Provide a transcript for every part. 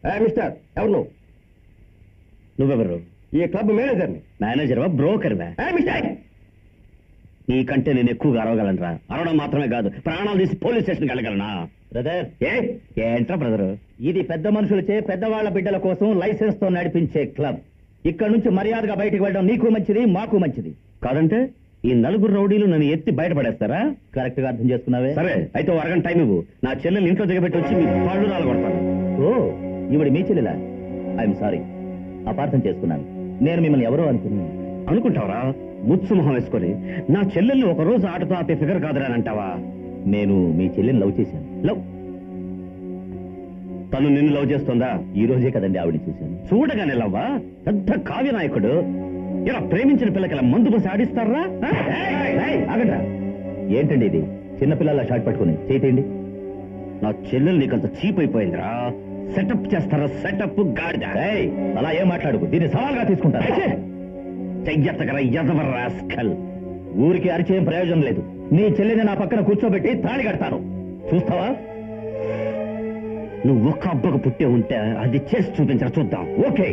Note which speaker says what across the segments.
Speaker 1: Mister ఎవరు
Speaker 2: నువ్వెవరు?
Speaker 1: ఈ క్లబ్ మేనేజర్ని.
Speaker 2: మేనేజర్వా బ్రోకర్వా?
Speaker 1: మిస్టర్
Speaker 2: నీకంటే నేను ఎక్కువగా అరవగలనరా. అరవడం మాత్రమే కాదు, ప్రాణాలు తీసి పోలీస్ స్టేషన్కి వెళ్ళగలనా?
Speaker 1: బ్రదర్
Speaker 2: ఏంట్రా బ్రదరు?
Speaker 1: ఇది పెద్ద మనుషులచే పెద్దవాళ్ల బిడ్డల కోసం లైసెన్స్ తో నడిపించే క్లబ్. ఇక్కడ నుంచి మర్యాదగా బయటికి వెళ్ళడం నీకు మంచిది, మాకు మంచిది.
Speaker 2: కాదంటే ఈ నలుగురు రౌడీలు నన్ను ఎత్తి బయటపడేస్తారా?
Speaker 1: కరెక్ట్ గా అర్థం చేసుకున్నావే.
Speaker 2: సరే అయితే ఓ అరగంట టైం ఇవ్వు. నా చెల్లెలు ఇంట్లో దిగబెట్టి వచ్చి మీ పళ్ళు రాలగొడతాను.
Speaker 1: ఓ ఇవిడి మీ చెల్లెలా? ఐఎమ్ సారీ, అపార్థం చేసుకున్నాను. నేను మిమ్మల్ని ఎవరో
Speaker 2: అనుకుంటావరా? ముచ్చు మొహం వేసుకొని నా చెల్లెల్ని ఒక రోజు ఆటతో ఆపే ఫిగర్ కాదురా అంటావా?
Speaker 1: నేను మీ చెల్లెని లవ్ చేశాను.
Speaker 2: లవ్? తను నిన్ను లవ్ చేస్తుందా?
Speaker 1: ఈ రోజే కదండి ఆవిడ చూశాను.
Speaker 2: చూడగానే లవ్వా? పెద్ద కావ్య నాయకుడు. ఇలా ప్రేమించిన పిల్లకి ఇలా మందు పోసి ఆడిస్తారా?
Speaker 1: ఆగండ్రా. ఏంటండి ఇది? చిన్నపిల్లల షాట్ పట్టుకుని చేయండి.
Speaker 2: నా చెల్లెలు నీకంత చీప్ అయిపోయిందిరా. సెటప్ చేస్తారా? సెటప్ గాడిద.
Speaker 1: అలా ఏం మాట్లాడుకు, దీన్ని సవాల్గా తీసుకుంటారా?
Speaker 2: చెయ్యత్తగర ఎదవ రాస్కల్.
Speaker 1: ఊరికి అరిచేయం ప్రయోజనం లేదు. నీ చెల్లిని నా పక్కన కూర్చోబెట్టి తాళి కడతాను, చూస్తావా?
Speaker 2: నువ్వు ఒక్క అబ్బకు పుట్టే ఉంటే అది చేసి చూపించరా చూద్దాం.
Speaker 1: ఓకే.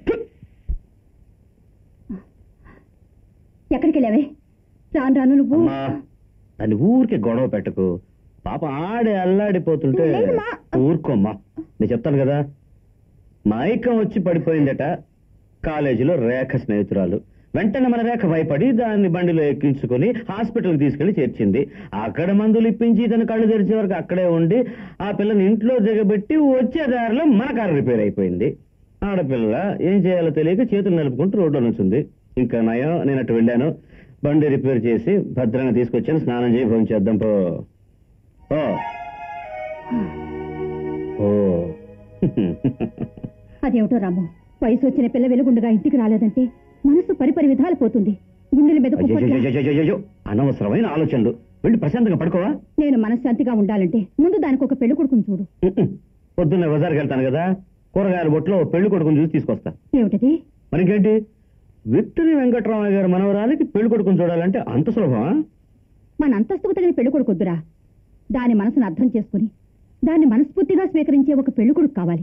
Speaker 3: ఎక్కడికి వెళ్ళావే? రాను రాను నువ్వు.
Speaker 2: దాన్ని ఊరికే గొడవ పెట్టకు. పాప ఆడే అల్లాడిపోతుంటే ఊరుకోమ్మా. నేను చెప్తాను కదా. మైకం వచ్చి పడిపోయిందట. కాలేజీలో రేఖ స్నేహితురాలు. వెంటనే మన రేఖ భయపడి దాన్ని బండిలో ఎక్కించుకుని హాస్పిటల్కి తీసుకెళ్లి చేర్చింది. అక్కడ మందులు ఇప్పించి తన కళ్ళు తెరిచే వరకు అక్కడే ఉండి ఆ పిల్లని ఇంట్లో దిగబెట్టి వచ్చే దారిలో మన కారు రిపేర్ అయిపోయింది. ఆడపిల్ల ఏం చేయాలో తెలియక చేతులు నలుపుకుంటూ రోడ్లో నుంచింది. ఇంకా నయం, నేను అటు వెళ్ళాను, బండి రిపేర్ చేసి భద్రంగా తీసుకొచ్చాను. స్నానం చేయి భోజనం చేద్దాం పో.
Speaker 3: అదేమిటో రాము, వయసు వచ్చిన పిల్ల వెలుగుండగా ఇంటికి రాలేదంటే మనసు పరిపరి విధాలు పోతుంది. గుండెల మీద
Speaker 2: అనవసరమైన ఆలోచనలు. వెళ్ళి ప్రశాంతంగా పడుకోవా?
Speaker 3: నేను మనశ్శాంతిగా ఉండాలంటే ముందు దానికి ఒక పెళ్లి కొడుకుని చూడు.
Speaker 2: పొద్దున్న బజార్కి వెళ్తాను కదా, కూరగాయల బొట్లో పెళ్లి కొడుకుని చూసి తీసుకొస్తా.
Speaker 3: ఏమిటది?
Speaker 2: మనకేంటి, విక్టరీ వెంకటరామయ్య గారి మనవరాలికి పెళ్లి కొడుకుని చూడాలంటే అంత సులభమా?
Speaker 3: మన అంతస్తుకు తగిన పెళ్లి కొడుకొద్దురా. దాని మనసును అర్థం చేసుకుని దాన్ని మనస్ఫూర్తిగా స్వీకరించే ఒక పెళ్లి కొడుకు కావాలి.